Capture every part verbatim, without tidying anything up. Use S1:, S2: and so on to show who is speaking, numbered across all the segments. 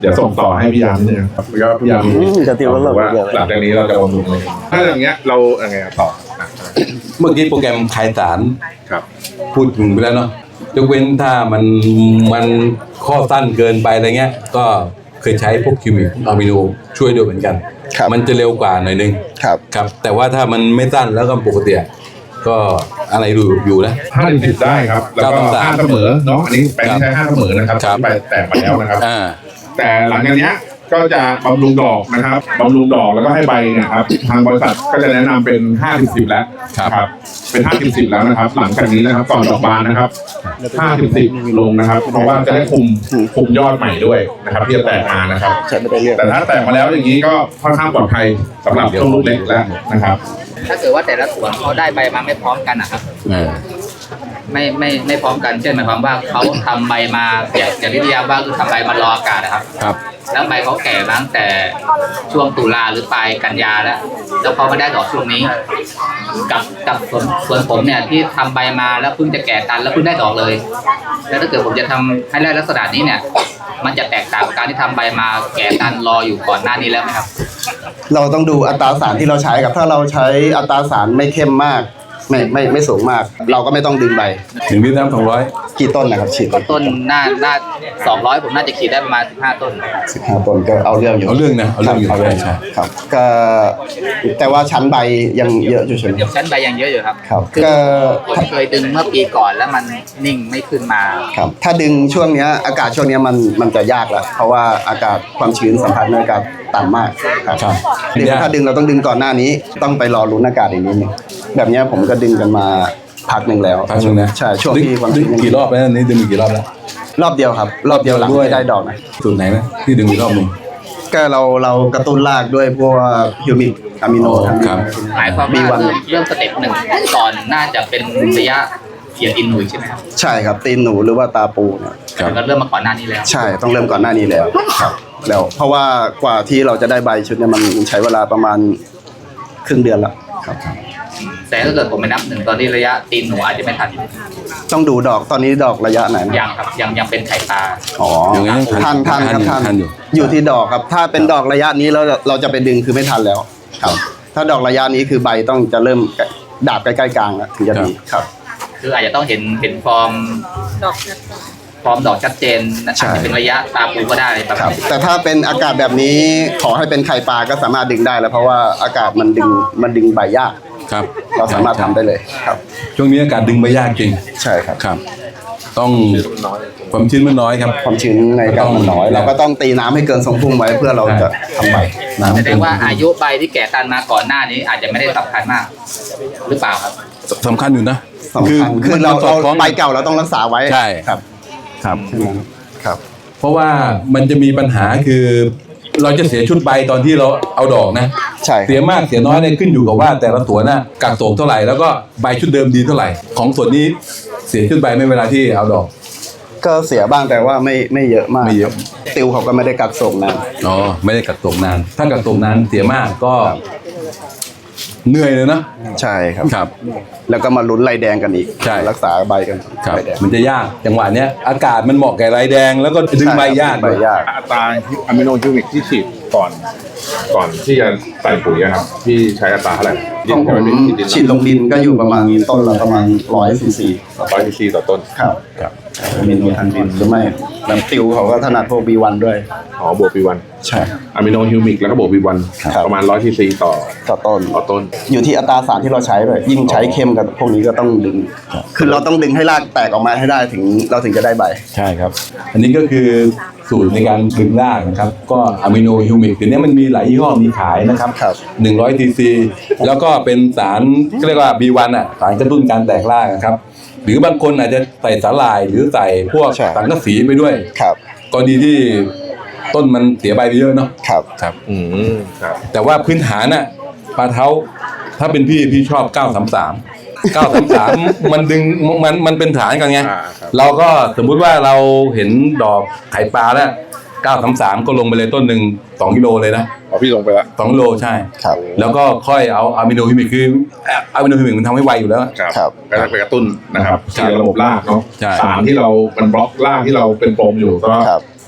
S1: เดี๋ยวส่งต่อให้พี่ยามนิดนึงครับแล้วก็พี่ยาม
S2: จะติวแล้วว่า
S1: หลังจากนี้เราจะบำรุงเลยถ้าอย่างเงี้ยเราอย่างไงต่อ
S3: เมื่อกี้โปรแกรมคลายสาร
S1: ครับ
S3: พูดถึงไปแล้วเนาะยกเว้นถ้ามันมันข้อสั้นเกินไปอะไรเงี้ยก็เคยใช้พวกคิวมิกอะมิโนช่วยด้วยเหมือนกันมันจะเร็วกว่าหน่อยนึง
S2: ครับ
S3: ครับแต่ว่าถ้ามันไม่สั้นแล้วก็ปกติก็อะไรอยู่อยู่นะ
S1: ห้าถึงสิบได้ครับแล้วก็ห้าเสมอเนาะอันนี้แปลงใช้ห้าเสมอนะครับไปแตกมาแล้วนะครับ
S3: อ่า
S1: แต่หลังจากเนี้ยก็จะบำรุงดอกนะครับบำรุงดอกแล้วก็ให้ใบเนี่ยครับทางบริษัทก็จะแนะนำเป็นห้าถึงสิบแล้วครับเป็นห้าถึงสิบแล้วนะครับ หลังจากนี้นะครับก่อนดอกบานนะครับห้าถึงสิบลงนะครับ เพราะว่าจะได้คุมคุมยอดใหม่ด้วยนะครับที่จะแตกมานะครับแต่ถ้าแตกมาแล้วอย่างนี้ก็ค่อนข้างปลอดภัยสำหรับช่วงลูกเล็กแล้วนะครับ
S4: ถ้าเกิดว่าแต่ละสวนเขาได้ใบมาไม่พร้อมกันนะครับ
S3: อ่า
S4: ไม่ไม่ไม่พร้อมกันเช่นหมายความว่าเขาทำใบมาอย่างอย่างที่พี่ยามว่าคือทำใบมารออากาศนะครับ
S3: ครับ
S4: แล้วใบเขาแก่มาตั้งแต่ช่วงตุลาหรือปลายกันยาแล้ว แล้วเขาไม่ได้ดอกช่วงนี้ กับกับสวนสวนผมเนี่ยที่ทำใบมาแล้วเพิ่งจะแก่ตันแล้วเพิ่งได้ดอกเลย แล้วถ้าเกิดผมจะทำให้ได้ลักษณะนี้เนี่ย มันจะแตกต่างกับการที่ทำใบมาแก่ตันรออยู่ก่อนหน้านี้แล้วไหมครับ
S2: เราต้องดูอัตราสารที่เราใช้กับถ้าเราใช้อัตราสารไม่เข้มมากไม่ไม่ไม่สูงมาก เราก็ไม่ต้องดึงใบ
S3: หนึ่งลิตรน้ำสองร้อย
S2: กี่ต้นนะครับฉีด
S4: ต้นหน้าหน้าสองร้อยผมน่าจะขีดได้ประมาณสิบห้าต้น
S2: สิบห้าต้นก็เอาเรื่องอยู่
S3: เอาเรื่องนะเอาเรื่องอยู่
S2: เอาเรื่อง
S3: ใช่
S2: ครับก็แต่ว่าชั้นใบยังเยอะอยู่ใช่ไหม
S4: ชั้นใบยังเยอะอยู่ครับ
S2: ครับ
S4: คือ
S2: ก็
S4: ผมเคยดึงเมื่อปีก่อนแล้วมันนิ่งไม่ขึ้นมา
S2: ครับถ้าดึงช่วงเนี้ยอากาศช่วงเนี้ยมันมันจะยากแล้วเพราะว่าอากาศความชื้นสัมผัสในอากาศต่ำมากครับ
S3: ครับ
S2: ดึงถ้าดึงเราต้องดึงก่อนหน้านี้ต้องไปรอลุ้นอากาศอีกนิดนึงแบบเนี้ยผมก็ดึงกันมาพักหนึ่งแล้ว
S3: พักหนึ่งนะ
S2: ใช่ช่วง
S3: ดึง
S2: ที่ความ
S3: ดึ
S2: ชื้
S3: ง
S2: น
S3: กี่รอบแล้วอันนี้ดึงกี่รอบแล้ว
S2: รอบเดียวครับ รอบเดียวหลังที่ได้ดอกนะ
S3: สูตรไหนนะที่ดึงอีกรอบหนึ่ง
S2: ก็เราเรากระตุ้นรากด้วยพวกฮิวมิกอะมิโน
S3: อ๋อ
S2: ทั้ง
S3: ครับ
S4: หมายความว่าเริ่มเริ่มสเต็ปหนึ่งก่อนน่าจะเป็นระยะเขียนอินหนุยใช่ไหมครับ
S2: ใช่ครับตีนหนูหรือว่าตาปูเนี่ย
S3: ครับ
S4: ก็เริ่มมาก่อนหน้านี้แล้ว
S2: ใช่ต้องเริ่มก่อนหน้านี้แล้วครับแล้วเพราะว่ากว่าที่เราจะได้ใบชุดเนี่ยมันใช้เวลาประมาณครึ่งเดือนแล้วครับ
S4: แต่ถ้าเกิดผมไปนับหนึ่งตอนที่ระยะตีนหนูอาจจะไม่ทัน
S2: ต้องดูดอกตอนนี้ดอกระยะไหนนะ
S4: ยังครับยังยังเป็นไข่ปลา
S2: อ๋อ
S3: ยังไงยังทั
S2: ทัน
S3: น
S2: ทันครับทัน
S3: ทันอยู่
S2: อยู่ที่ดอกครับ ถ้าเป็นดอกระยะนี้เราเราจะไปดึงคือไม่ทันแล้วครับ ถ้าดอกระยะนี้คือใบต้องจะเริ่มดาบใกล้ๆกลางแล้วถึงจะดีครับ
S4: คืออาจจะต้องเห็นเห็นฟอร์มฟอร์มดอกชัดเจนอาจ
S2: ใช่
S4: จะเป็นระยะตาปูก็ได้ประ
S2: ค
S4: มา
S2: รั
S4: ณ
S2: บ
S4: นี้
S2: แต่ถ้าเป็นอากาศแบบนี้ขอให้เป็นไข่ปลาก็สามารถดึงได้แล้วเพราะว่าอากาศมันดึงมันดึงใบยาก
S3: ครับ
S2: เราสามารถทำได้เลยครับ
S3: ช่วงนี้อากาศดึงไม่ยากจริง
S2: ใช่ครับ
S3: ครับ ต้องความชื้นมันน้อยครับ
S2: ความชื้นในอากาศมันน้อย เราก็ต้องตีน้ำให้เกินทรงพุ่งไว้เพื่อเราจะทำใบ
S3: น้ำ
S4: แสดงว่าอายุใบที่แก่ตันมาก่อนหน้านี้อาจจะไม่ได้สำคัญมาก หรือเปล่าครับ
S3: สำคัญอยู่นะ
S2: สำคัญคือ
S3: มัน
S2: เรา
S3: สอ
S2: เรา
S3: ดคล้อง
S2: ใบเก่าเราต้องรักษาไว้
S3: ใช่
S2: ครับ
S3: ครับ
S2: ใช่ไหมครับ
S3: เพราะว่ามันจะมีปัญหาคือ เราจะเสียชุดใบตอนที่เราเอาดอกนะ
S2: ใช่ครับ
S3: เสียมากเสียน้อยเนี่ยขึ้นอยู่กับว่าแต่ละสวนน่ะกักโสมเท่าไหร่แล้วก็ใบชุดเดิมดีเท่าไหร่ ของส่วนนี้เสียชุดใบไม่เวลาที่เอาดอก
S2: ก็เสียบ้างแต่ว่าไม่ไม่เยอะมาก
S3: ไม่เยอะ
S2: ติวเขาก็ไม่ได้กักส่งนะ
S3: อ๋อไม่ได้กักโสมนาน ถ้ากักโสมนานเสียมากก็เหนื่อยเลยนะ
S2: ใช่ครับ
S3: ครับ
S2: แล้วก็มาลุ้นลายแดงกันอีก
S3: ใช่
S2: รักษาใบกัน
S3: ครับ
S2: ใบแดง
S3: มันจะยากจังหวะเนี้ยอากาศมันเหมาะแก่ไรแดงแล้วก็ดึงใบยาก
S2: ใบยาก
S1: อัตราอะมิโนฮิวมิกที่ฉีดก่อน ก่อนที่จะใส่ปุ๋ยอะครับพี่ใช้อัตราเท่าไหร่
S2: ของผมฉีดลงดินก็อยู่ประมาณต้นละประมาณร้อยซีซี
S1: ร้อยซีซีต่อต้น
S2: ครับ
S3: ครับ
S2: มีนูทันดินหรือไม่แล้วติวเขาก็ถนัดพวกบีวันด้วย
S1: อ๋อบวกบีวัน
S2: ใช่
S1: อะมิโนฮิวมิกแล้วก็บวกบีวัน
S2: ครับ
S1: ประมาณร้อยซีซีต่อ
S2: ต่อต้น
S1: ต่อต้น
S2: อยู่ที่อัตราสารที่เราใช้ด้วยยิ่งใช้เข้มกับพวกนี้ก็ต้องดึง คือเราต้องดึงให้รากแตกออกมาให้ได้ถึงเราถึงจะได้ใบ
S3: ใช่ครับ อันนี้ก็คือสูตรในการดึงรากนะครับ ก็อะมิโนฮิวมิกตัวนี้มันมีหลายยี่ห้อมีขายนะครับ
S2: ครับ
S3: หนึ่งร้อยซีซีแล้วก็เป็นสารเรียกว่า บี วัน อ่ะสารกระตุ้นการแตกรากนะครับ หรือบางคนอาจจะใส่สาหร่ายหรือใส่พวก
S2: ใช่
S3: สังกะสีไปด้วย
S2: ครับ
S3: กรณีที่ต้นมันเสียใบไปเยอะเนาะ
S2: ครับ
S3: ครับ
S1: อืมครับ
S3: แต่ว่าพื้นฐานน่ะปลาเท้าถ้าเป็นพี่พี่ชอบเก้าสามสามเก้าสามสามมันดึงมันมันเป็นฐานกันไง
S1: อ่าครับ
S3: เราก็สมมุติว่าเราเห็นดอกไข่ปลาแล้วเก้าสามสามก็ลงไปเลยต้นหนึ่งสองกิโลเลยนะ
S1: อ๋อพี่ลงไปละ
S3: สองกิโลใช่
S2: ครับ
S3: แล้วก็ค่อยเอาอะมิโนฮิมิกคืออะมิโนฮิมิกมันทำให้ไวอยู่แล้ว
S1: ครับ
S2: ครับ
S1: ก็จะไปกระตุ้นนะครับ
S3: ครับ
S1: ที่ระบบรากเนาะ
S3: ใช่
S1: สารที่เรามันบล็อกรากที่เราเป็นโฟมอยู่ก็
S2: ครับ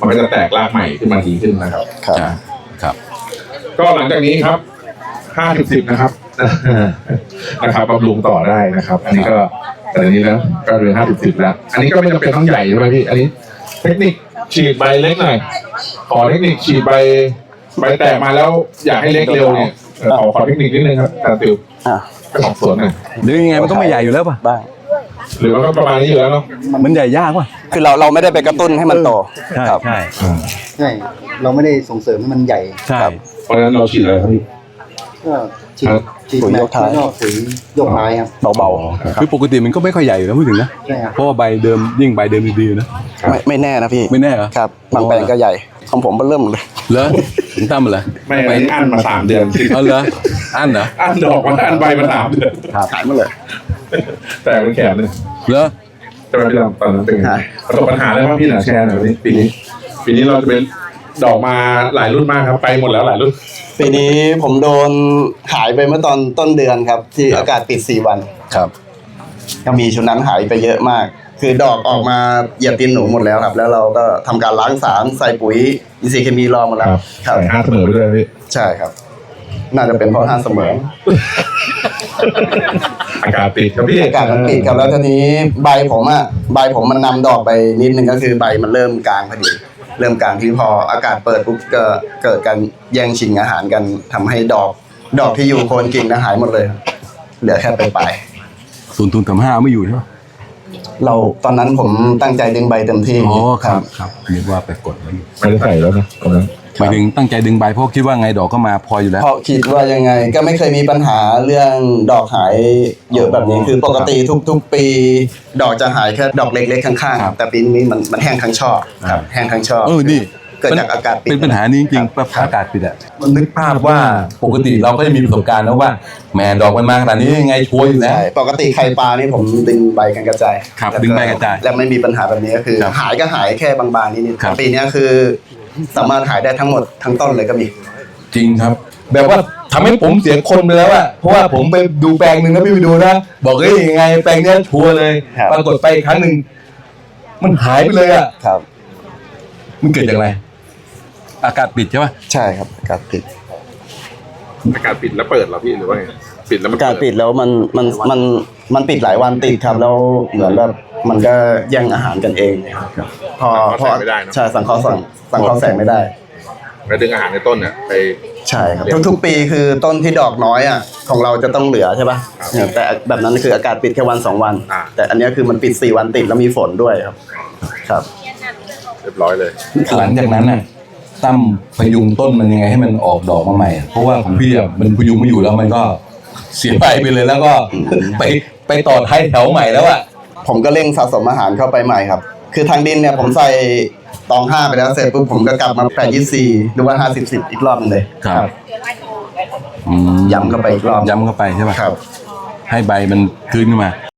S1: มันก็จะแตกรากใหม่ขึ้นมาดีขึ้นนะครับ
S2: ครับ
S3: อ่าครับ
S1: ก็หลังจากนี้ครับห้าสิบสิบนะครับ นะครับบำรุงต่อได้นะครับ อันนี้ก็แต่อันนี้แล้วก็เป็นห้าสิบสิบแล้ว อันนี้ก็ไม่จำเป็นต้องใหญ่ใช่ไหมพี่ อันนี้เทคนิคฉีดใบเล็กหน่อย ขอเทคนิคฉีดใบใบแตกมาแล้วอยากให้เล็กเร็วเนี่ยเออขอขอเทคนิคนิดนึงครับอาจารย์ติว
S2: อ่ะ
S1: เจ้าของสวนหน่อย
S3: หรือยังไงมันก็ไม่ใหญ่อยู่แล้วป่ะ
S2: บ้าง
S1: หรือว่าก็ประมาณนี้อยู่แล้วเนาะ
S3: มันใหญ่ยากป่ะ
S2: คือเราเราไม่ได้ไปกระตุ้นให้มันโต
S3: ใช่
S2: ครับ
S3: ใช่
S5: ใช่เราไม่ได้ส่งเสริมให้มันใหญ่
S3: ใช่
S1: เพราะฉะนั้นเราฉีดอะไรครับพี่
S5: ก็ฉีด
S1: ครับ
S5: ฉีด
S2: ปุ๋ย
S5: แม
S2: ย
S5: ก
S2: กท้าย
S5: แล้วก็ปุ๋ยยกท้ายครับ
S2: เบา
S3: คือปกติมันก็ไม่ค่อยใหญ่อยู่แล้วพูดถึงนะ
S5: ใช่ครับ
S3: เพราะว่าใบเดิมยิ่งใบเดิมดีๆนะ
S2: ๆไม่ไม่แน่นะพี่
S3: ไม่แน่เหรอ
S2: ครับบางแปลงก็ใหญ่ของผมก็เริ่มเลย
S3: เหรอถึงตั้มเหรอ
S1: ไม่อันนี้อั้นมาสามเดือน
S3: เอาเหรออันเหรอ
S1: อั้นดอกมาอั้นใบมาสามเดือน
S2: ขายมาเลย
S1: แต่มันแข็งเลย
S3: เหรอ
S1: จะไปพี่ดำตอนนั้นเป็นไง
S2: ฮะ
S1: ประสบปัญหาอะไรบ้างพี่หน่อยแชร์หน่อยวันนี้ปีนี้ ปีนี้เราจะเป็นดอกมาหลายรุ่นมากครับ ไปหมดแล้วหลายรุ่น
S2: ปีนี้ผมโดนหายไปเมื่อตอนต้นเดือนครับ ที่อากาศปิดสี่วัน
S3: ครับ
S2: ก็มีชุดนั้นหายไปเยอะมาก คือดอกออกมาเหยียบตีนหนูหมดแล้วครับ แล้วเราก็ทำการล้างสารใส่ปุ๋ยอินทรีย์เคมีรอหมดแล้วครับ
S1: ใส่ห้าเสมอไปด้วยพี่
S2: ใช่ครับ น่าจะเป็นเพราะห้าเสมอ
S1: อากาศติดครับพี่
S2: อากาศมันปิดครับแล้วทีนี้ใบผมอะใบผมมันนำดอกไปนิดนึงก็คือใบมันเริ่มกลางพอดี เริ่มกลางที่พออากาศเปิดปุ๊บก็เกิดการแย่งชิงอาหารกันทำให้ดอก ดอกที่อยู่โคนกิ่งนะหายหมดเลยครับเหลือแค่ปลายปลาย
S3: ศูนย์ทุนสามห้าไม่อยู่ใช่ไหม
S2: ๆเราตอนนั้นผมตั้งใจดึงใบเต็มที่
S3: อ๋อครับครับนึกว่าไปกดไว้อยู่
S1: ไม่ได้ใส่แล้วนะตรงนั้น
S3: หมายถึงตั้งใจดึงใบเพราะคิดว่าไงดอกก็มาพออยู่แล้ว
S2: เพราะคิดว่ายังไงก็ไม่เคยมีปัญหาเรื่องดอกหายเยอะแบบนี้คือปกติทุกๆ ปี ดอกจะหายแค่ดอกเล็กๆข้าง
S3: ครับ
S2: ๆแต่ปีนี้มันมันแห้งทั้งช่อครับแห้งทั้งช่อ
S3: เออนี่
S2: เกิดจากอากาศปิด
S3: เป็นปัญหานี้จริงๆ
S2: ครับ
S3: อากาศปิดอะมันนึกภาพว่าปกติเราก็จะมีประสบการณ์แล้วว่าแหมดอกมันมาขนาดนี้ยังไงชัวร์อยู่แล้ว
S2: ใช่ปกติไข่ปลานี่ผมดึงใบกันกระจาย
S3: ครับ
S2: แล้ว
S3: ดึงใบกระจาย
S2: แล้วไม่มีปัญหาแบบนี้ก็คือ
S3: ครับ
S2: หายก็หายแค่บางๆนิด
S3: ครับ
S2: ๆปีนี้คือ สามารถหายได้ทั้งหมดทั้งต้นเลยก็มี
S3: จริงครับ แบบว่าทำให้ผมเสียคนไปแล้วอะเพราะว่าผมไปดูแปลงหนึ่งนะพี่ไปดูนะบอกเฮ้ยยังไงแปลงเนี้ยชัวร์เลย
S2: ครับ
S3: ปรากฏไปอีกครั้งหนึ่งมันหายไปเลยอะ
S2: ครับ
S3: มันเกิดจากอะไร อากาศปิดใช่ปะ
S2: ใช่ครับอากาศปิด
S1: อากาศปิดแล้วเปิดเหรอพี่หรือว่าไงปิดแล้วมัน
S2: อากาศปิดแล้วมันมันมันมันปิดหลายวันติดครับแล้วเหมือนแบบมันก็แย่งอาหารกันเองพอพอใช่สังเคราะห์แสงสังเคราะห์แสงไม่ได้
S1: แล้วดึงอาหารในต้นเนี่ยไป
S2: ใช่ครับทุกๆปีคือต้นที่ดอกน้อยอ่ะของเราจะต้องเหลือใช่ป่ะเนี่ยแต่แบบนั้นคืออากาศปิดแค่วันสองวัน แต่อันเนี้ยคือมันปิดสี่วันติดแล้วมีฝนด้วยครับ ครับ
S1: เรียบร้อยเลย
S3: หลังจากนั้นน่ะตั้มพยุงต้นมันยังไงให้มันออกดอกมาใหม่อะเพราะว่าของพี่อะมันพยุงไม่อยู่แล้วมันก็เสียไปไปเลยแล้วก็ ไปไปต่อท้ายแถวใหม่แล้วอะ
S2: ผมก็เร่งสะสมอาหารเข้าไปใหม่ครับ คือทางดินเนี่ยผมใส่ตองห้าไปแล้วเสร็จปุ๊บผมก็กลับมาแปดยี่สี่หรือว่าห้าสิบสิบอีกรอบหนึงเลย
S3: ครับอืม
S2: ย้ำเข้าไปอีกรอบ
S3: ย้ำเข้าไปใช่ป่ะ
S2: ครับ
S3: ให้ใบมันคืนขึ้นมา